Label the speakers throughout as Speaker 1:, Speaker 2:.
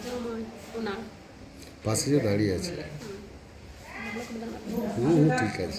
Speaker 1: পাশে যে দাঁড়িয়ে আছে। ঠিক আছে।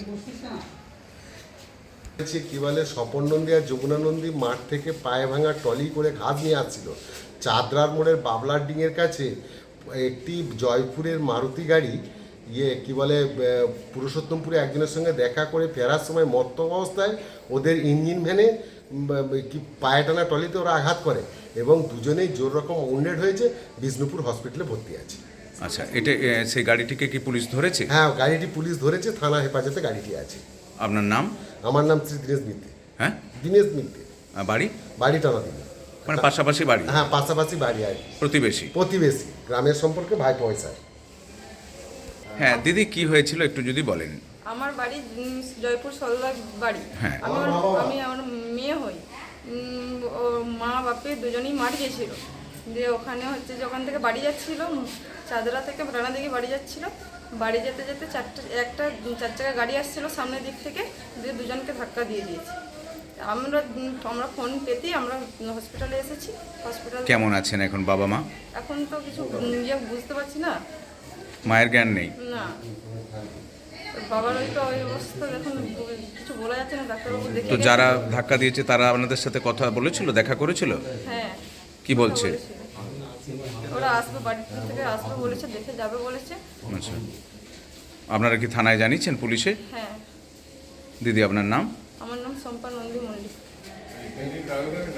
Speaker 1: কি বলে, স্বপন নন্দী আর যমুনা নন্দী মাঠ থেকে পায়ে ভাঙা ট্রলি করে ঘাস নিয়ে আসছিল। চাঁদরার মোড়ের বাবলার ডিঙের কাছে একটি জয়পুরের মারুতি গাড়ি কি বলে পুরুষোত্তমপুরে একজনের সঙ্গে দেখা করে ফেরার সময় মত্ত অবস্থায় ওদের ইঞ্জিন ভ্যানে কি পায়ে টানা ট্রলিতে ওরা আঘাত করে এবং দুজনেই জোর রকম উন্ডেড হয়েছে, বিষ্ণুপুর হসপিটালে ভর্তি আছে।
Speaker 2: আচ্ছা, এটা সেই গাড়িটিকে কি পুলিশ ধরেছে?
Speaker 1: হ্যাঁ, গাড়িটি পুলিশ ধরেছে, থানা হেফাজতে গাড়িটি আছে।
Speaker 2: আপনার নাম?
Speaker 1: আমার নাম শ্রী দীনেশ মিত্রে।
Speaker 2: হ্যাঁ,
Speaker 1: দীনেশ মিত্রে।
Speaker 2: বাড়ি?
Speaker 1: বাড়ি টানা দিন।
Speaker 2: মানে পাশাপাশি বাড়ি?
Speaker 1: হ্যাঁ, পাশাপাশি বাড়ি আর
Speaker 2: প্রতিবেশী?
Speaker 1: প্রতিবেশী, গ্রামের সম্পর্কে ভাই পয়সা।
Speaker 2: হ্যাঁ দিদি, কি হয়েছিল একটু যদি বলেন।
Speaker 3: আমার বাড়ি জয়পুর সলদার বাড়ি।
Speaker 2: হ্যাঁ।
Speaker 3: আমি আমার মেয়ে হই। ও মা বাপে দুজনেই মাঠ গেছিল, দিয়ে ওখানে হচ্ছে যখন থেকে বাড়ি যাচ্ছিল, চাঁদরা থেকে রানা দিকে বাড়ি যাচ্ছিল, বাড়ি যেতে যেতে একটা 4 চাকা গাড়ি আসছিল সামনের দিক থেকে, দিয়ে দুজনকে ধাক্কা দিয়ে দিয়েছে। আমরা ফোন পেতেই আমরা হসপিটালে এসেছি। হসপিটাল
Speaker 2: কেমন আছেন এখন বাবা মা?
Speaker 3: এখন তো কিছু বুঝতে পারছি না।
Speaker 2: মায়ের জ্ঞান নেই?
Speaker 3: না, বাবার ওই অবস্থা দেখুন, কিছু বলা যাচ্ছে না। ডাক্তারবাবু দেখে
Speaker 2: তো যারা ধাক্কা দিয়েছে তারা আপনাদের সাথে কথা বলেছিল, দেখা করেছিল?
Speaker 3: হ্যাঁ।
Speaker 2: কি বলছে?
Speaker 3: ওরা আসবে, বাড়ি থেকে আসবে বলেছে, দেখে যাবে বলেছে।
Speaker 2: আচ্ছা, আপনারা কি থানায় জানিয়েছেন, পুলিশে?
Speaker 3: হ্যাঁ।
Speaker 2: দিদি আপনার নাম?
Speaker 3: আমার নাম শম্পা নন্দী মল্লিক।